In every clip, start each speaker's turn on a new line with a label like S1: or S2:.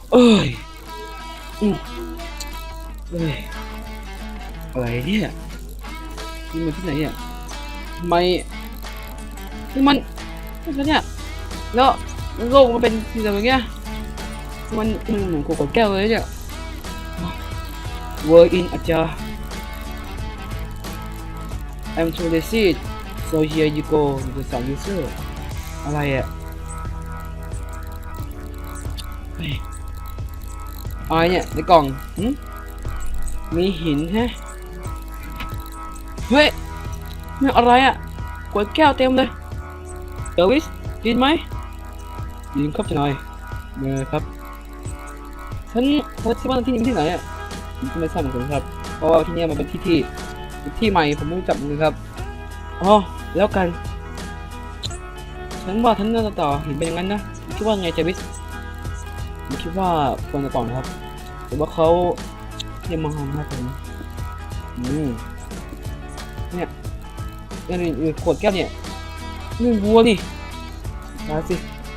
S1: เอ้ยอืมเอ้ยอะไรเนี่ยนี่มันที่ไหนเนี่ยทำไมนี่มันแล้วเนี่ยแล้วโลกมันเป็นสิ่งแบบเนี้ยมันเหมือนขวดแก้วเลยเนี่ย Word in อาจารย์ I'm too lazy so here you go ภาษา user อะไรอ่ะเฮ้ยอะไรเนี่ยในกล่องมีหินฮะเฮ้ยนี่อะไรอ่ะขวดแก้วเต็มเลยเออวิสยินไหมยินครับจะหน่อยเมื่อครับฉันคิดว่าที่นี่ที่ไหนอ่ะผมไม่ทราบเหมือนกันครับเพราะว่าที่นี่มันเป็นที่ใหม่ผมไม่รู้จักเหมือนกันครับอ๋อแล้วกันฉันว่าฉันน่าจะต่อหินเป็นอย่างนั้นนะคิดว่าไงเจวิสผมคิดว่าควรจะต่อนะครับแต่ว่าเขาเนี่ยมาหาผมเนี่ยนี่ขวดแก้วเนี่ยนี่วัวดิมาสิ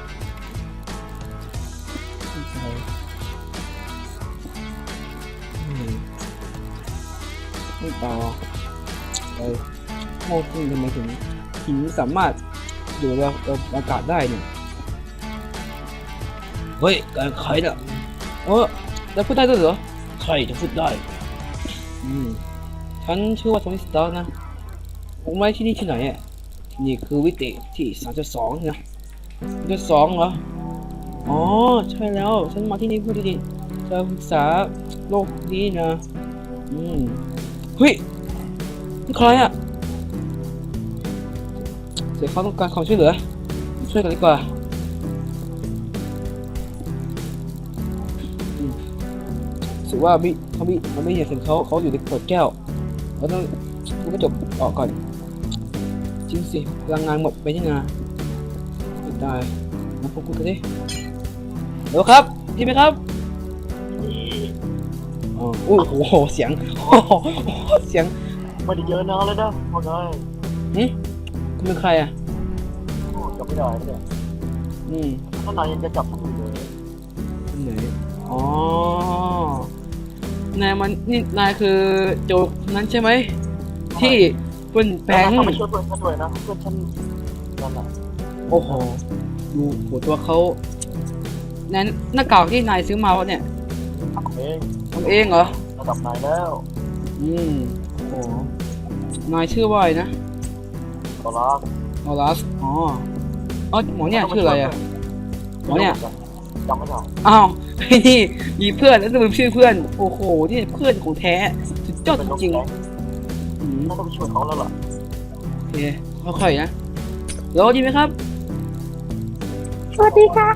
S1: ไม่ต่อไปโม่ขึ้นทำไมถึงหินสามารถอยู่ในอากาศได้เนี่ยเฮ้ยการขายน่ะจะพูดได้ด้วยเหรอใช่จะพูดได้ฉันชื่อว่าโทนี่สตาร์นะผมไม่ที่นี่ที่ไหนอ่ะที่นี่คือวิติที่3.2นะ3.2เหรออ๋อใช่แล้วฉันมาที่นี่เพื่อที่จะศึกษาโลกนี้นะเฮ้ยนี่ใครอ่ะเดี๋ยวเขาต้องการความช่วยเหลือช่วยกันดีกว่ารู้สึกว่าเขาไม่เห็นเขาอยู่ในขวดแก้วเราต้องทุบกระจกออกก่อนจริงสิพลังงานหมดไปยังไงไม่ได้มาพูดกันดิเดี๋ยวครับดีไหมครับโอ้โหเสียงเสียง
S2: ไม่ได้เยอะนานเลยนะว่าไง
S1: คุณเป็นใครอ่ะ
S2: จับไม่ได้เนี่ยถ้านายยังจะจับผมอยู่เลย
S1: ไหนอ๋อ นายคือโจกนั้นใช่ไหมที่เพื่อนแปลง
S2: เขาไปช่วยเพื่อนฉันด้วยนะเพื่อนฉันนั่นแหละ
S1: โอ้โหดูหัวตัวเขานั้นหน้ากากที่นายซื้อมาวะเนี่ยทำเองเหรอ
S2: ระดับนายแล้ว
S1: โอ้โหนายชื่อว่าอะไรนะ
S2: โอ
S1: ลาสอ๋อหมอเนี่ยชื่ออะไรอะหมอเนี่ย
S2: จำไม่ได้
S1: อ้าวไอ้นี่มีเพื่อนแล้วจะลืมชื่อเพื่อนโอ้โหนี่เพื่อนของแท้สุดยอดจริง
S2: ๆต้องไปช่วยเขาแล้วล่ะ
S1: โอเคค่อยๆนะรอดีไหมครับ
S3: สวัสดีครับ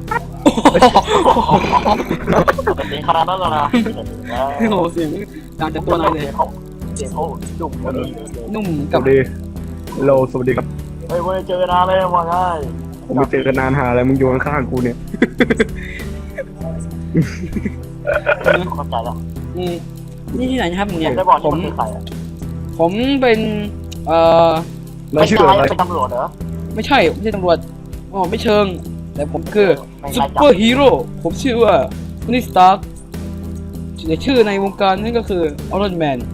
S2: เป็นเสียงขนาดนั้นแล้วนะ
S1: โอ้โหเสียงดังจากตัวนายเลย
S2: เสียงเขา
S1: นุ่มกับ
S4: สวัสดีครับ
S2: เฮ้ยเจอนานเลยว่าไง
S4: ผมไม่เจอกันนานหาอะไรมึงอยู่ข้างๆกูเนี่ย
S2: เข้าใจแล้ว
S1: นี่ที่ไหนนะครับเนี่ยผมเป็น
S2: ไม่ใช่เป็นตำรวจเหรอ
S1: ไม่ใช่ตำรวจไม่เชิงแต่ผมคือซุปเปอร์ฮีโร่ผมชื่อว่าโทนี่สตาร์คชื่อในวงการนั่นก็คือไอรอนแมน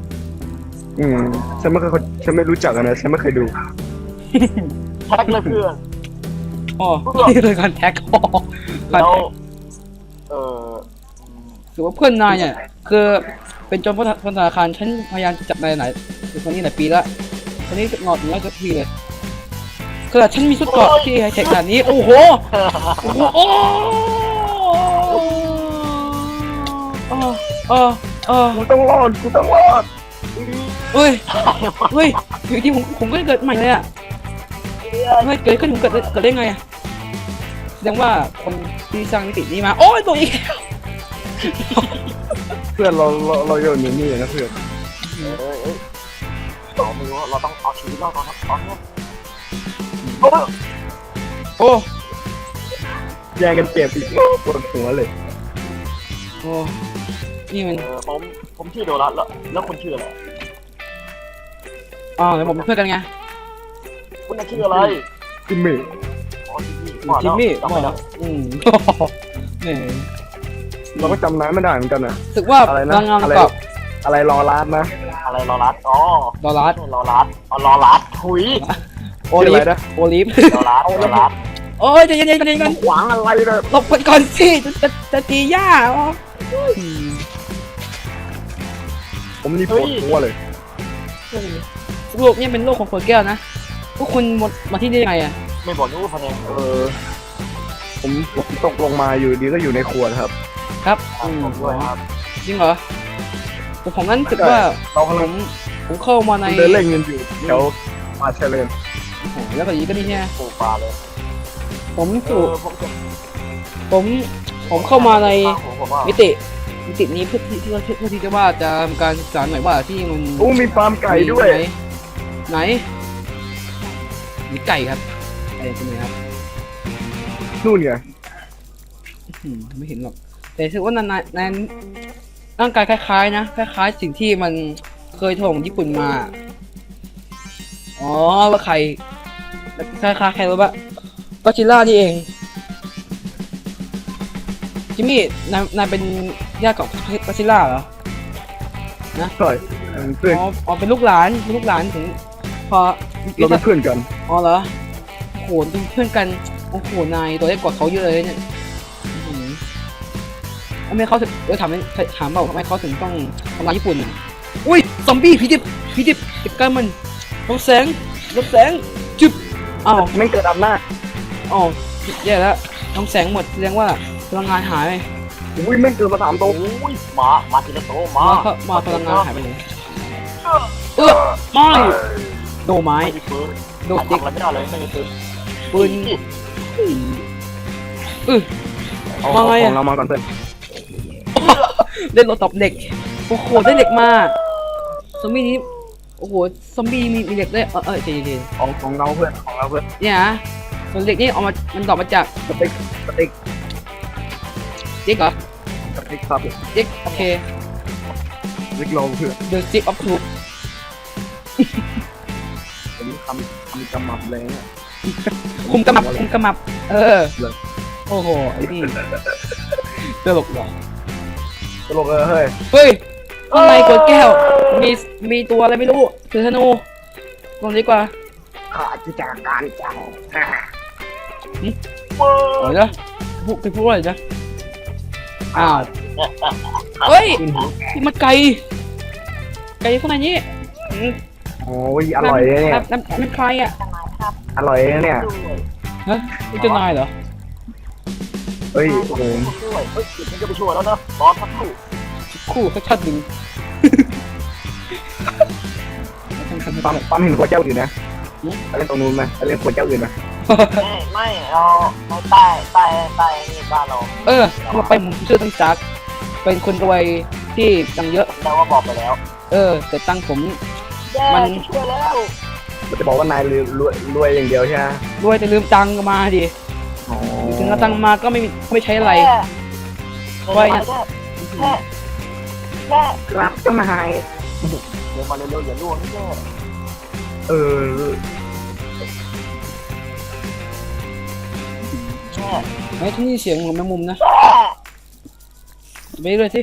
S4: ฉันไม่รู้จักนะฉันไม่เคยดู
S2: แท็กเลยเพื่อน
S1: นี่เลยการแท็ก
S2: แล้ว
S1: ถือว่าเพื่อนนายเนี่ยคือเป็นโจรธนาคารฉันพยายามจับนายคนนี้หลายปีแล้วคนนี้งอดเนื้อสักทีเลยคือฉันมีชุดเกราะที่ไฮเทคขนาดนี้โอ้โห
S4: กูต้องรอด
S1: เฮ้ยอยู่ที่ผมก็เกิดใหม่เลยอ่ะไม่เกิดขึ้นผมเกิดได้ไงอ่ะแสดงว่าคนที่สร้างมิตินี้มาโอ้ยตัวอีก
S4: เพื่อนเราอยู่นี่นะเพื่อน
S2: เราไม่รู้เราต้องเอาชีวิตรอดตอนนี้
S1: โอ้
S4: แย่งกันเจ็บอีกปวดหัวเลย
S1: โอ้นี่มัน
S2: ผมชื่อโดรัสแล้วคุณชื่ออะไร
S1: แล้วผมเป็นเพื่อนกันไง
S2: คุณชื่ออะไร
S4: จิมมี่
S1: เนี่ย
S4: เราก็จำน้ำไม่ได้เหมือนกันอ่ะ
S1: รู้สึกว่า
S4: อะไร
S1: พ
S4: นะ
S1: ลังงาน
S4: อะไร
S1: กับ
S4: อะไรรอรัดนะ
S2: อะไรรอรัดอ๋อ
S1: ดอลลาร์
S2: รอรัดอ๋อรอรัดถุย
S1: โอ
S4: ชื่อ
S1: ลิ
S4: อะไร
S1: ฟ
S4: นะ
S1: โอลิฟ
S2: รอรัดรอรัด
S1: โอ้ยใจเย็นๆใจเย็นๆกัน
S4: ขวางอะไรเลย
S1: หลบไปก่อนสิจะตีย่าอ๋ออืม
S4: ผมนี่ปวดหัวเลย
S1: โลกเนี่ยเป็นโลกของขวดแก้วนะพวกคุณมาที่นี่ได้ไงอ่ะ
S2: ไม่บอกนู้พะเนง
S4: ผมตกลงมาอยู่ดีก็อยู่ในขวดครับ
S1: ครับ
S2: ผมด้วยครับ
S1: จริงเหรอแต่ผมนั้นรู้สึกว่า
S4: เรากำ
S1: ผ
S4: ลัง
S1: ผมเข้ามาใน
S4: เดินเล่นกันอยู่แถวป่าเชลเลน
S1: โอ้โหแล้วก็อย่างนี้ก็นี่เนี่ย
S2: ปลูกปลาเลย
S1: ผมสู่
S2: ผมจะ
S1: ผมเข้ามาใน
S2: ผมว่า
S1: มิตินี้เพื่อที่จะว่าจะทำการศึกษาหน่อยว่าที่มัน
S4: โอ้มีฟาร์มไก่ด้วย
S1: ไหนมีไก่ครับไก่เป็นไงครับ
S4: นู่นไง
S1: ไม่เห็นหรอกแต่รู้สึกว่านายร่างกายคล้ายๆนะคล้ายๆสิ่งที่มันเคยถล่มญี่ปุ่นมาอ๋อว่าใครคล้ายๆใครรู้ปะก็จิล่านี่เองจิมมี่นายเป็นญาติของก็จิล่าเหรอ
S4: ใช่เพื่อน
S1: อ๋อเป็นลูกหลานถึงพอ
S4: เราเป็นเพื่อนกัน
S1: อ๋อเหรอโอ้โหเป็นเพื่อนกันโอ้โหนายตัวเล็กกว่าเขาเยอะเลยเนี่ยทำไมเขาถึงถามเปล่าทำไมเขาถึงต้องทำลายญี่ปุ่นอ่ะอุ้ยซอมบี้ผีดิบจัดการมันลบแสงจึ๊บอ้าว
S4: ไม่เกิดอำนาจ
S1: อ๋อแย่แล้วลบแสงหมดแสดงว่าพลังงานหายไป
S4: อุ้ยไม่เกิดมา3 ตัว
S2: โอ้ยมาทีละโตมา
S1: มาพลังงานหายไปเลยไม่โดไม้
S2: ไม่มีปืน
S1: โด
S2: ทำ
S1: ติ๊ก
S2: อะไรไม่ได้เลยไม่มีปืน
S1: ปืน
S4: เอา
S1: มาไง
S4: ข
S1: อะ
S4: องเรามาก่อนเพื่อน
S1: เล่นรถตบเด็กโอ้โหได้เด็กมาซอมบี้นี้โอ้โหซอมบี้มีเด็กได้ใจเย็น
S4: ของเราเพื่อนของเราเพื่อน
S1: ๆเนี่ยนะส่วนเด็กนี่ออกมามันดอกมาจาก
S4: สติ๊ก
S1: เด็กเหรอ
S4: สติ๊กครับ
S1: เด็กโอเค
S4: สติ๊กเราเพื่อน
S1: The Stick of Truth
S4: ผมทำกำมับเลยเนี่ย
S1: คุมกำมับโอ้โหไอ้นี่ตลกหรอ
S4: ตลกเฮ้ย
S1: เฮ้ยข้างในกดแก้วมีตัวอะไรไม่รู้ถือธนูลงดีกว่า
S4: ข้าจะจากการเจ้า
S1: โอ้ยนะพูดอะไรนะอ้าวเฮ้ยนี่มันไก่ข้างในนี้
S4: โอ้ยอร่อยเลยเนี่ย
S1: น้ำใครอ่ะ
S4: อร่อยเลยเนี่ย
S1: ฮะนี่เจ้านายเหรอ
S4: เฮ้ยโอ้โห
S2: ช่วยเฮ้ยมันจะไปช่วยแล้วนะบอสทักคู่
S1: คู่สักชัดหนึ่ง
S4: ปั๊มเห็นขวดเจ้าอื่นนะไปเล่นตรงนู้นไหมไปเล่นขวดเจ้าอื่นไหม
S2: ไม่เราใต้นี่บ้านเรา
S1: เราไปผมชื่อตั้งจักเป็นคนรวยที่ตังค์เยอะ
S2: เราว่าบอกไปแล้ว
S1: แต่ตังค์ผม
S2: มันช่วยแล้ว
S4: มันจะบอกว่านายรวยอย่างเดียวใช่ไหม
S1: รวยแต่ลืมตังค์มาดิ
S4: อ๋อ
S1: ถึงเอาตังค์มาก็ไม่ใช้อะไร
S2: แค่
S4: ครับเจ้านาย
S2: เดี๋ยวมาเร็วๆอย่าล่วงนี่แค่
S4: เออ
S2: แค่
S1: ไอ้ที่นี่เสียงของแมงมุมนะไปเลยสิ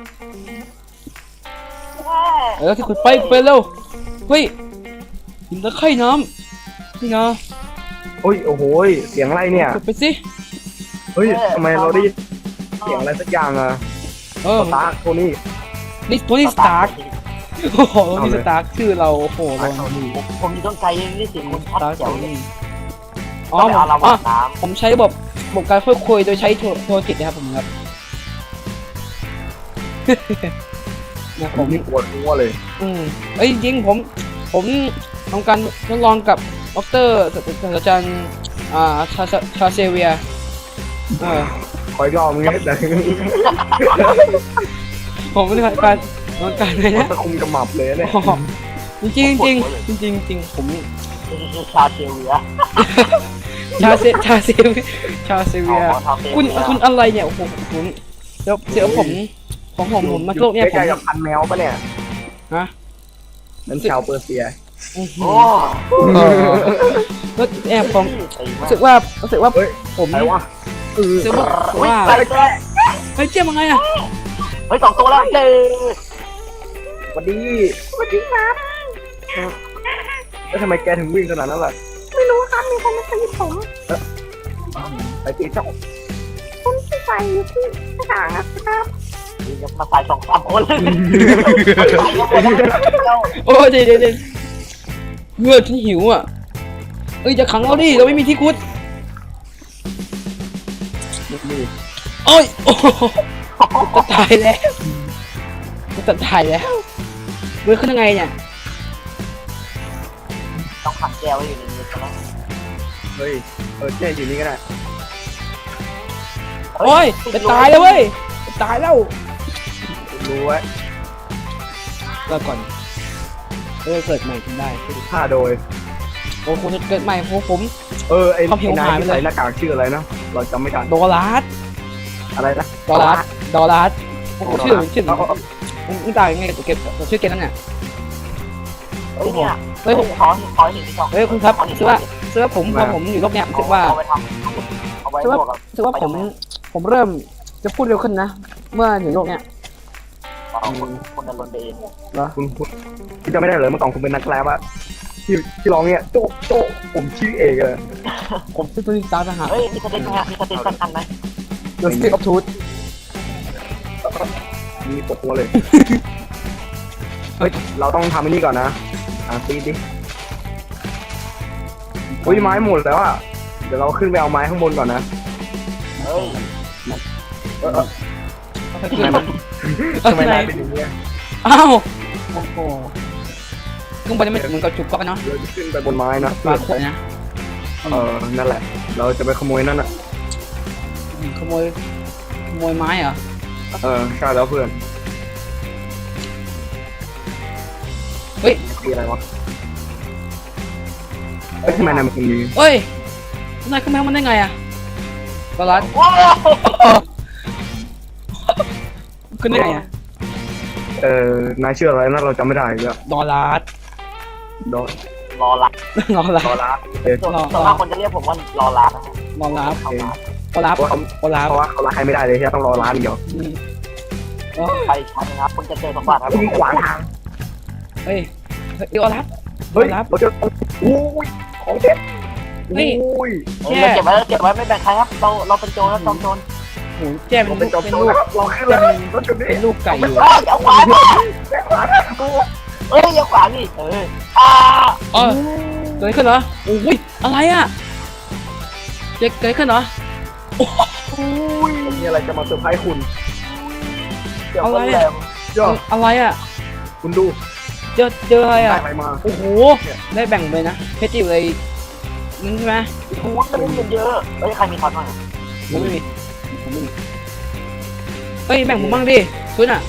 S1: ที่ขุดไปเร็วเฮ้ยหินตะไคร่น้ำนี่นะ
S4: โอ้ยโอ้โหเสียงอะไรเนี่ย
S1: ขุดไปสิ
S4: เฮ้ยทำไมเราได้ยินเสียงอะไรสักอย่างอะสตาร์คโทนี่
S1: นี่โทนี่สตาร์คโอ้โหโทนี่สตาร์คชื่อเราโอ้โหเรา
S2: ผมอยู่ต้นไกลนี่สิคุณชัดเจ๋วเลย
S1: อ๋อ
S2: เอาเราน้
S1: ผมใช้ระบบการพูดคุยโดยใช้โทรจิตนะครับผมครับ นะ
S4: ผมนี่ปวดหัวเลย
S1: จริงๆผมทำการทดลองกับดรศาสตราจารย์ชาเซเวีย
S4: คอยรอบมึงไงแต่
S1: ผมไม่ได้การเลยนะ
S4: ตะคุมกระหมับเลยเนี่ย
S1: จริงจริงผม
S2: ำชาเชียเวีย
S1: ชาเซเวียคุณอะไรเนี่ยโอ้โหคุณเดี๋ยวผมมาโลกเนี่ยผม
S4: ใกล้ๆกับพันแมวปะเนี่ย
S1: ฮะ
S4: นั่นชาวเปอร์เซีย
S2: โอ้
S1: แล้วแอบผมรู้สึกว่าผม
S4: ใครวะ
S1: รู้สึกว่าเฮ้ยเจ๊มาไงอ่ะ
S2: เฮ้ย2 ตัวแล้วเจ๊
S4: สวัสดี
S3: สวัสดีครับ
S4: แล้วทำไมแกถึงวิ่งขนาดนั้นล่ะ
S3: ไม่รู้ครับมีคนมาตีผม
S4: ไปตีเจ้า
S3: ผมที่ใส่อยู่ที่กระถางนะครับ
S2: ยังมาใส่2-3 คนเลยใส่กันหมดแล้ว
S1: โอ้ยเดี๋ยวเมื่อฉันหิวอ่ะเอ้ยจะขังเราดิเราไม่มีที่คุด
S4: นี่
S1: โอ้ยโอ้โหจะตายแล้วจะตายแล้วเมื่อขึ้นยังไงเนี่ย
S2: ต้องขังแก้วไว้อยู่ในนี้ใช่ไหม
S4: เฮ้ยเจ๊อยู่นี่ก็ได้
S1: โอ้ยจะตายแล้วเว้ยจะตายแล้ว
S4: รู้ไว้
S1: รอก่อนเกิดใหม่ขึ้นได้
S4: ฆ่าโดย
S1: โอ้คุณจะเกิดใหม่ผม
S4: ไอ้
S1: ความหิวน
S4: าย
S1: หายไป
S4: ที่
S1: เลย
S4: ใส่หน้ากากชื่ออะไรนะเราจำไม่ได้
S1: ดอลลาร์
S4: อะไรนะ
S1: ดอลลาร์โอ้โหชื่อมึงตายยังไงกับเก็บชื่อเกมนั่นเนี่ย
S2: เฮ้ยเนี่ย
S1: เฮ้ยผม
S2: ขอเห็นที่2
S1: เฮ้ยคุณครับคือว่าผมพอผมอยู่โลกเนี้ยรู้สึกว่า
S2: เอาไปทำเอาไว้ลวกกับ
S1: รู้สึกว่าผมเริ่มจะพูดเร็วขึ้นนะ เมื่ออยู่โลกเนี้ย
S2: คนดำเนินไปเอง
S4: คุณจะไม่ได้เหรอเมื่อก่อนคุณเป็นนักแรปอะที่ร้องเนี่ยโจ๊ะผมชื่อเอกเลย
S1: ผมชื่อตัวนี้ตาทหาร
S2: เฮ้ยมีสเต็กไหมฮะมีสเต็กสั้นๆไหม
S1: The Stick of Truth
S4: มีปวดหัวเลย เฮ้ย เราต้องทำอันนี้ก่อนนะตีดิอุ้ยไม้หมดแล้วอ่ะ เดี๋ยวเราขึ้นไปเอาไม้ข้างบนก่อนนะ
S2: เฮ้ย
S4: ทำไมนายเป็นอย่างนี้
S1: อ้าวโอ้โหขึ้นไปจะไม่เหมือนกับจุกก๊อกเนาะ
S4: เราจะขึ้นไปบนไม้นะ
S1: ปากขวดนะ
S4: นั่นแหละ เราจะไปขโมยนั่นอ่ะ
S1: ขโมยไม้เหรอ
S4: ใช่แล้วเพื่อน
S1: เฮ้ย
S4: คืออะไรวะทำไมนายมันคนดี
S1: เฮ้ยนายขึ้นมามันได้ไงอะดอลลาร์
S2: ว้าว
S1: ขึ้นได้ไงอะ
S4: นายชื่ออะไรนะเราจำไม่ได้เลย
S1: ดอลลาร์
S4: ดอ
S2: รอรับ
S1: ดอลลา
S4: ดอ
S1: ร์
S4: ลาร์
S2: ส่วนมากคนจะเรียกผมว่ารอรับนะฮะ
S1: ดอลลาร์
S2: เขารับ
S1: ดอลลาร์ดอลลาร์
S4: เพราะว่าเขารักใครไม่ได้เลยที่ต้องรอร้านเดียว
S2: ใครชันนะครับคุณจะเจอสมบัติครับ
S4: คุณขวางทาง
S1: เฮ้ยดอลลาร์
S4: เฮ้ยเราจะอุ้ยของเด็ด
S1: เฮ้ย
S4: อุ้ย
S2: เราเก็บไว้ไม่แบ่งใครครับเราเป็นโจรแล้วจอมโจร
S1: โหแจ้เป็
S4: เรา
S1: น
S4: เป็นจอม
S1: เป็น
S4: โจ
S1: ลู
S4: ร
S1: ก
S4: ครับเราขึ้นแล้วรถจุดนี้
S1: เป็นลูกไก่อยู่
S2: อย่าขวางเอ้ยอย่าขวางนี่อ้า
S1: เออเกิดอะไรขึ้นเหรอโอ้ยอะไรอะเกิดอะไรขึ้นเหรอ
S4: อุ้ยมีอะไรจะมาเซอร์ไพรส์คุณ
S2: เดี๋ยวคนแหลม
S4: ยอด
S1: อะไรอะ
S4: คุณดู
S1: เจออะไร
S4: ได้
S1: อะ
S4: อะไรมา
S1: โอ้โหได้แบ่งเลยนะเพชรอยู่เลยนึงใช่ไหม
S2: คูณมันเงินเยอะเฮ้ยใครมีทอนบ้าง
S1: ผมไม่มีเฮ้ยแบ่งผมบ้างดิคุณอะ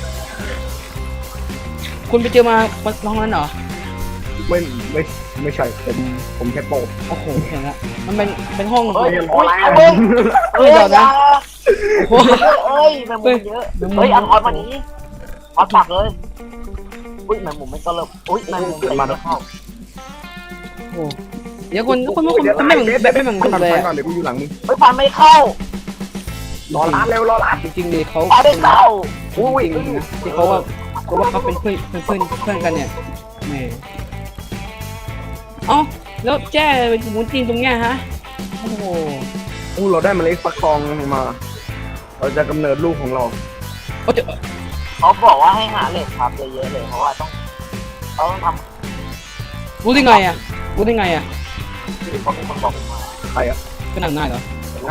S1: คุณไปเจอมาลองนั้นเหรอ
S4: ไม่ใช่ผมแค่โปะ
S1: โอ้โหเห็นละมันเป็นห้อง
S2: เฮ้ย
S1: โ
S2: โอ้ยเฮ้ยอย่า
S1: อ้โห
S2: เอ้ยแมงมุมเยอะเฮ้ยเอาทอนมานี้เอาปากเลยอุ้ยแมงมุมไม่ก็เริ่มอุ้ยแมงมุมตีไม่เข้า
S1: โอ้โหเดี๋ยวคนทำไมแบบไม่เหมือนกันเลย
S4: ก่อนเดี๋ยวกูอยู่หลังมึง
S2: เฮ้ยฟันไม่เข้าร
S4: อร้านเร็วรอร้าน
S1: จริงๆดิเขา
S2: ฟันไม่เข้า
S1: อุ้ยที่เขาว่าเขาเป็นเพื่อนกันเนี่ยแหมเอ้าแล้วแจ้เป็นหมูจริงตรงเนี้ยฮะโอ้โห
S4: เราได้เมล็ดฟักทองมา เราจะกำเนิดลูกของเรา
S1: โอ้เดี๋ยว
S2: เขาบอกว่าให้หาเหล็กครับเยอะๆเลยเพราะว่าต้องท
S1: รู้ได้ไงอ่ะรู้ได้ไงอ่ะ
S2: ำเขาเป็นคนบอกมา
S4: ใครอ่ะ
S1: ก็นั่งได้เหรอ
S4: แล้ว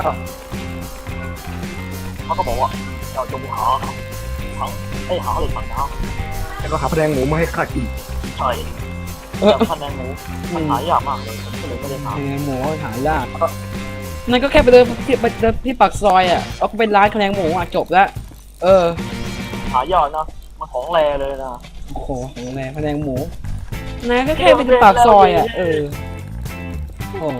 S2: เขาก็บอกว่าเราจงหาเหล็กฝั่งดาว
S4: แล้วก็หาแผนงหมูมาให้ข้ากิน
S2: ใช่ แต่พันแมงหมูมันหายากมากเลยผมก็เลยไม่ได้ท
S1: แมงหมูหายากนั่นก็แค่ไปเดินที่ปากซอยอ่ะเอาก็เป็นร้านแมงหมูอ่ะจบแล้ว
S2: ำหายากนะมันของแรเลยนะ
S1: โอ้โหของแมงหมูนายก็แค่ไปที่ปากซอยอ่ะโอ้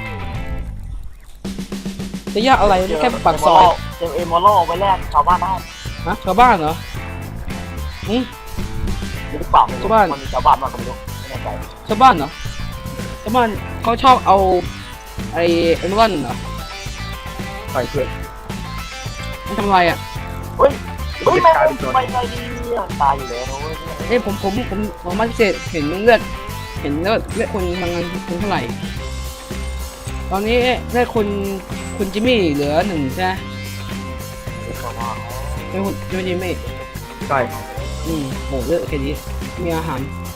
S1: จะยากอะไรแค่ปากซอย
S2: เจมเอมอลโล่ไปแลกชาวบ้านได้
S1: ฮะชาวบ้านเหรอ
S2: หรือเปล่าไม่รู้มันมีชาวบ้านมากกว่าไม่รู้ไม่แน่ใจ
S1: ชาวบ้านเหรอชาวบ้านเขาชอบเอาไอ้เอมอนเหรอ
S4: ใส่เพื่อน
S1: มันทำอะไรอ่ะ
S2: ย
S4: จะ
S2: แม่
S4: กลายเป็นโจร
S2: ไม่เลยดีตายอยู่แล้วนะเว้ย
S1: เอ้ยผมมาพิเศษเห็นเลือดคนบางงานคุณเท่าไหร่ ตอนนี้เลือดคุณจิมมี่เหลือหนึ่งใช่ไหมเป็นคุณจิมมี่
S4: ใช่
S1: โหเลือดแค่นี้มีอาหาร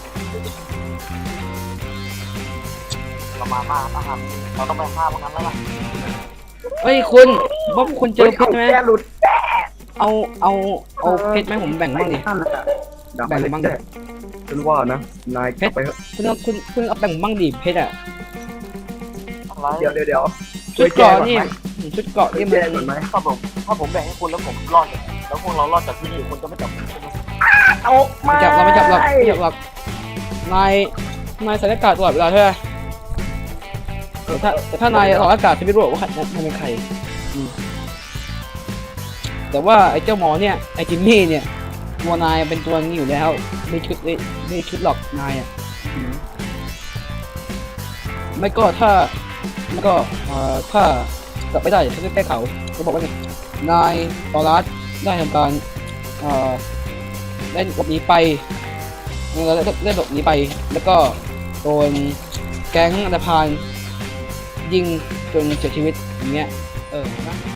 S2: ประมาณมากนะครับเราต้องไปฆ่าพวกนั้นแล้วล่ะ
S1: เอ้ยคุณว่าคุณเจอเพชรไหม
S4: แกหลุด
S1: เอาเพชรไหมผมแบ่งบ้างดิ แบ่งบ้างดิ
S4: ฉันว่านะนายกลับไปเถอะ
S1: คุณเอาแบ่งบ้างดิเพชรอ่ะ
S2: อะไร
S4: เดี๋ยว
S1: ชุดเกราะนี่ชุดเกราะนี่มั
S4: แก้
S1: น
S4: ก่อนไหม
S2: ถ้าผมแบ่งให้คุณแล้วผมรอดแล้วพวกเรารอดจากที่นี่คุณจะไม่จับผมใช่ไหม
S4: เอามา
S1: ไม่จับหรอกนายใส่หน้ากากตลอดเวลาใช่ไหมแต่ถ้านายถอดหน้ากากจะไม่รู้ว่านายเป็นใครแต่ว่าไอ้เจ้าหมอเนี่ยไอ้จิมมี่เนี่ยตัวนายเป็นตัวนี้อยู่แล้วไม่ชุดหรอกนายอ่ะไม่ก็ถ้ากลับไม่ได้ฉันจะแก้เขาเขาบอกว่าไงนายตอรัสได้ทำการได้หลบหนีไปได้หลบหนีไปแล้วก็โดนแก๊งอันธพาลยิงจนเสียชีวิตอย่างเงี้ยนะ